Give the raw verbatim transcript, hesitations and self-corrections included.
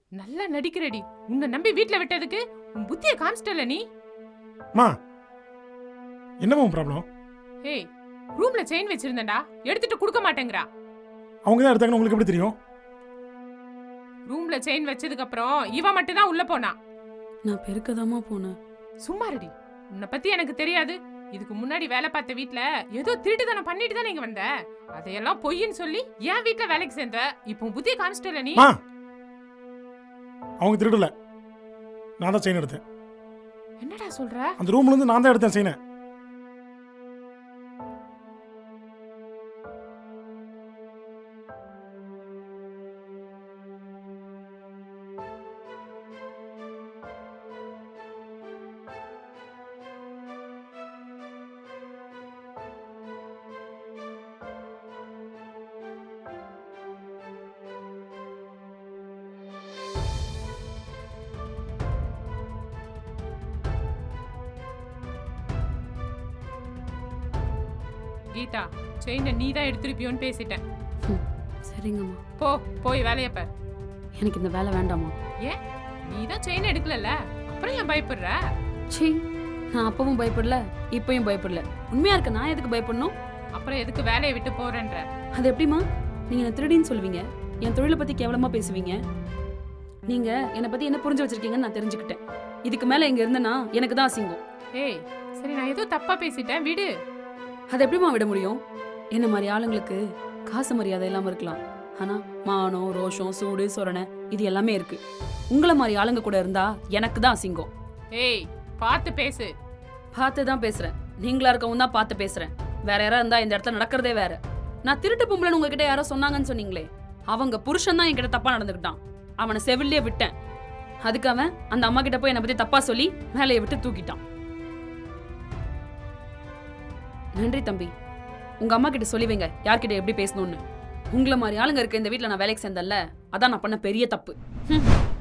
நல்லா நடிக்கிறடி. உன்னை நம்பி வீட்ல விட்டதுக்கு உன் புத்திய காமிச்சிட்டல நீ. மா என்னமா உன் ப்ராப்ளம்? ஏய், ரூம்ல செயின் வச்சிருந்தேன்டா, எடுத்துட்டு கொடுக்க மாட்டேங்கறா. அவங்க தான் எடுத்தாங்கன்னு உங்களுக்கு எப்படி தெரியும்? ரூம்ல செயின் வச்சதுக்கு அப்புறம் இவ மட்டும் தான் உள்ள போனா. நான் பெருக்கதாமா போனேன். சும்மா ரெடி. உன்னை பத்தி எனக்கு தெரியாது. இதுக்கு முன்னாடி வேலை பார்த்த வீட்ல ஏதோ திருட்டுத்தனம் பண்ணிட்டு தான் நீங்க வந்த. அதையெல்லாம் பொய்ன்னு சொல்லி ஏன் வீட்ல வேலைக்கு சேர்ந்த. இப்போ புத்திய காமிச்சிட்டல நீ. மா அவங்க திருடல, நான் தான் செயின் எடுத்தேன். என்னடா சொல்ற? அந்த ரூம்ல இருந்து நான் தான் எடுத்தேன் செயினை. கீதா, செயினை நீ தான் எடுத்துருப்பியோன்னு பேசிட்டேன். ம், சரிங்கம்மா. போ, போய் வேலைய பார். எனக்கு இந்த வேலை வேண்டாமா? ஏன்? நீ தான் செயின் எடுக்கலல்ல, அப்புறம் ஏன் பயப்படுற? சீ, நான் அப்பவும் பயப்படல, இப்பயும் பயப்படல. உண்மையா இருக்க நான் எதுக்கு பயப்படணும்? அப்புறம் எதுக்கு வேலையை விட்டு போறேன்ற? அது எப்படிமா? நீங்க என்ன திருடின்னு சொல்லுவீங்க, என் தொழிலை பத்தி கேவலமா பேசுவீங்க. நீங்க என்னை பத்தி என்ன புரிஞ்சு வச்சிருக்கீங்கன்னு நான் தெரிஞ்சுக்கிட்டேன். இதுக்கு மேல இங்க இருந்தனா எனக்கு தான் அசிங்கம். ஏய், சரி, நான் ஏதோ தப்பா பேசிட்டேன், விடு. அதை எப்படிமா விட முடியும்? என்ன மாதிரி ஆளுங்களுக்கு காசு மரியாதை இல்லாம இருக்கலாம், ஆனா மானம், ரோஷம், சூடு, சொரணை இது எல்லாமே இருக்கு. உங்களை மாதிரி ஆளுங்க கூட இருந்தா எனக்கு தான் அசிங்கம். ஏய், பார்த்து பேசு. பார்த்து தான் பேசுறேன். நீங்களா இருக்கவும் தான் பார்த்து பேசுறேன். வேற யாரா இருந்தா இந்த இடத்துல நடக்கிறதே வேற. நான் திருட்டு பொம்பளைன்னு உங்ககிட்ட யாரோ சொன்னாங்கன்னு சொன்னீங்களே, அவங்க புருஷன் தான் என்கிட்ட தப்பா நடந்துக்கிட்டான். அவனை செவிலியே விட்டேன். அதுக்கு அவன் அந்த அம்மா கிட்ட போய் என்னை பத்தி தப்பா சொல்லி வேலையை விட்டு தூக்கிட்டான். நன்றி தம்பி. உங்க அம்மா கிட்ட சொல்லி வைங்க யார்கிட்ட எப்படி பேசணும்னு. உங்களை மாதிரி ஆளுங்க இருக்க இந்த வீட்டுல நான் வேலைக்கு சேர்ந்தல்ல, அதான் நான் பண்ண பெரிய தப்பு.